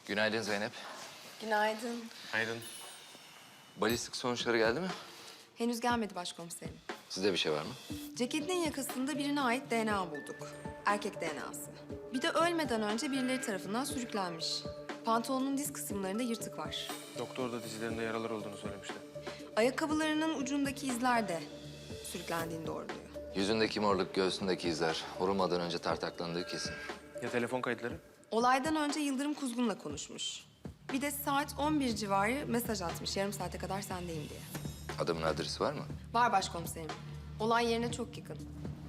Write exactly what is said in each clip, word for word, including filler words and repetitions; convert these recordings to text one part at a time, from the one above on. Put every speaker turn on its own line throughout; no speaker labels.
Günaydın Zeynep.
Günaydın.
Günaydın.
Balistik sonuçları geldi mi?
Henüz gelmedi başkomiserim.
Sizde bir şey var mı?
Ceketinin yakasında birine ait D N A bulduk. Erkek D N A'sı. Bir de ölmeden önce birileri tarafından sürüklenmiş. Pantolonun diz kısımlarında yırtık var.
Doktor da dizlerinde yaralar olduğunu söylemişti.
Ayakkabılarının ucundaki izler de sürüklendiğini doğruluyor.
Yüzündeki morluk, göğsündeki izler. Vurulmadan önce tartaklandığı kesin.
Ya telefon kayıtları?
Olaydan önce Yıldırım Kuzgun'la konuşmuş. Bir de saat on bir civarı mesaj atmış yarım saate kadar sendeyim diye.
Adamın adresi var mı?
Var başkomiserim. Olay yerine çok yakın.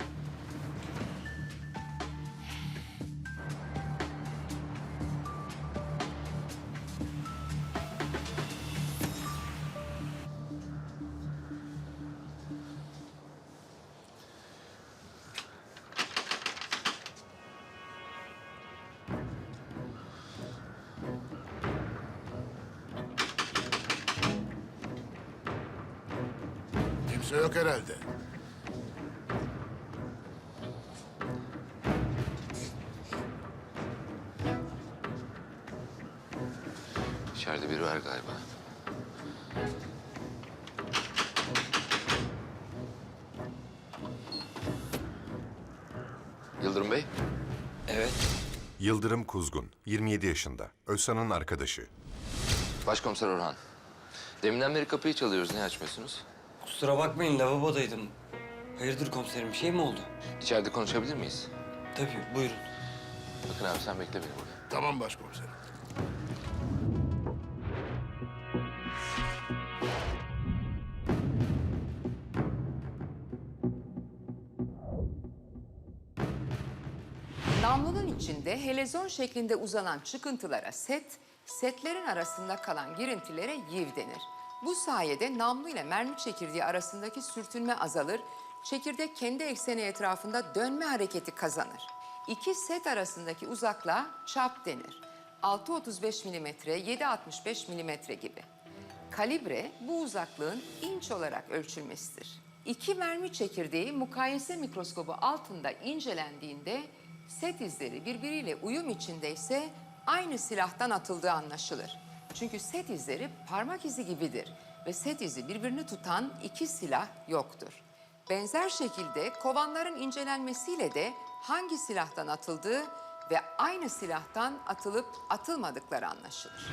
Kimse yok herhalde.
İçeride biri var galiba. Yıldırım Bey.
Evet.
Yıldırım Kuzgun, yirmi yedi yaşında. Özsan'ın arkadaşı.
Başkomiser Orhan. Deminden beri kapıyı çalıyoruz. Niye açmıyorsunuz?
Kusura bakmayın, lavabodaydım. Hayırdır komiserim, bir şey mi oldu?
İçeride konuşabilir miyiz?
Tabii, buyurun.
Bakın abi sen bekle beni burada.
Tamam başkomiserim.
Namlunun içinde helezon şeklinde uzanan çıkıntılara set, setlerin arasında kalan girintilere yiv denir. Bu sayede namlu ile mermi çekirdeği arasındaki sürtünme azalır, çekirdek kendi ekseni etrafında dönme hareketi kazanır. İki set arasındaki uzaklığa çap denir. altı otuz beş milimetre, yedi altmış beş milimetre gibi. Kalibre bu uzaklığın inç olarak ölçülmesidir. İki mermi çekirdeği mukayese mikroskobu altında incelendiğinde set izleri birbiriyle uyum içindeyse aynı silahtan atıldığı anlaşılır. Çünkü set izleri parmak izi gibidir ve set izi birbirini tutan iki silah yoktur. Benzer şekilde kovanların incelenmesiyle de hangi silahtan atıldığı ve aynı silahtan atılıp atılmadıkları anlaşılır.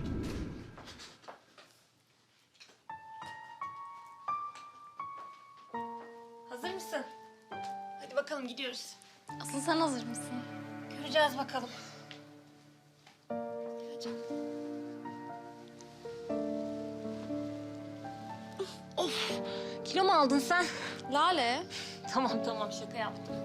Hazır mısın? Hadi bakalım gidiyoruz.
Asıl sen hazır mısın?
Göreceğiz bakalım.
Of! Kilo mu aldın sen?
Lale.
Tamam tamam şaka yaptım.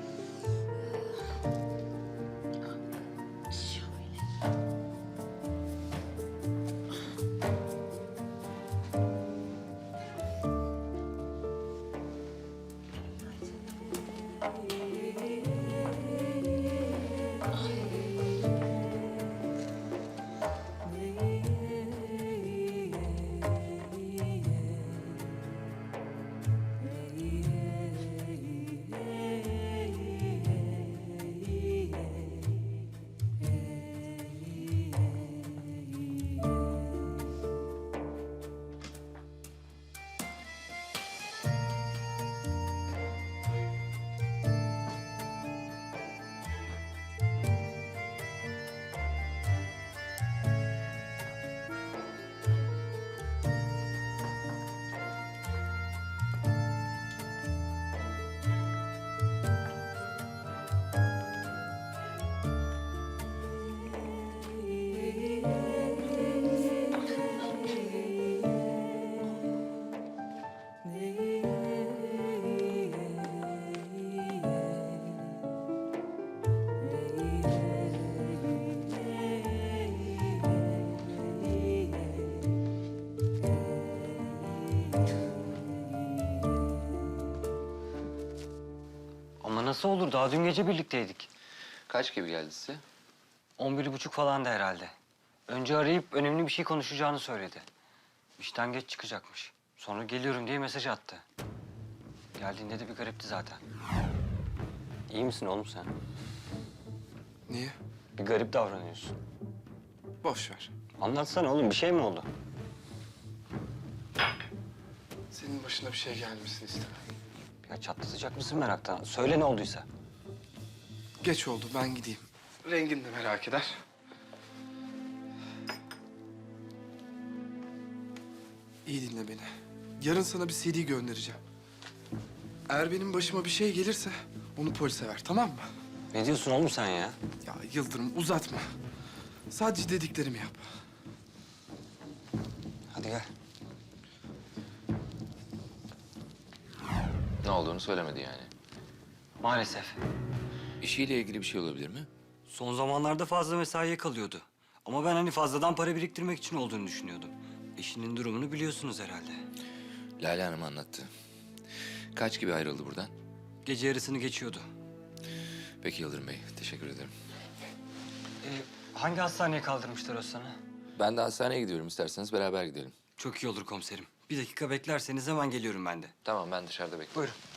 Ama nasıl olur? Daha dün gece birlikteydik.
Kaç gibi geldi size?
On bir buçuk falan da herhalde. Önce arayıp önemli bir şey konuşacağını söyledi. İşten geç çıkacakmış. Sonra geliyorum diye mesaj attı. Geldiğinde de bir garipti zaten. İyi misin oğlum sen?
Niye?
Bir garip davranıyorsun.
Boş ver.
Anlatsana oğlum, bir şey mi oldu?
Senin başına bir şey gelmesini istemem.
Ya çatlatacak mısın meraktan? Söyle ne olduysa.
Geç oldu, ben gideyim. Rengin de merak eder. İyi dinle beni. Yarın sana bir C D göndereceğim. Eğer benim başıma bir şey gelirse onu polise ver, tamam mı?
Ne diyorsun oğlum sen ya?
Ya Yıldırım uzatma. Sadece dediklerimi yap.
Hadi gel.
Ne olduğunu söylemedi yani.
Maalesef.
İşiyle ilgili bir şey olabilir mi?
Son zamanlarda fazla mesaiye kalıyordu. Ama ben hani fazladan para biriktirmek için olduğunu düşünüyordum. Eşinin durumunu biliyorsunuz herhalde.
Lale Hanım anlattı. Kaç gibi ayrıldı buradan?
Gece yarısını geçiyordu.
Peki Yıldırım Bey, teşekkür ederim.
Ee, hangi hastaneye kaldırmışlar Özsan'ı?
Ben de hastaneye gidiyorum. İsterseniz beraber gidelim.
Çok iyi olur komiserim. Bir dakika beklerseniz hemen geliyorum ben de.
Tamam, ben dışarıda bekliyorum.
Buyurun.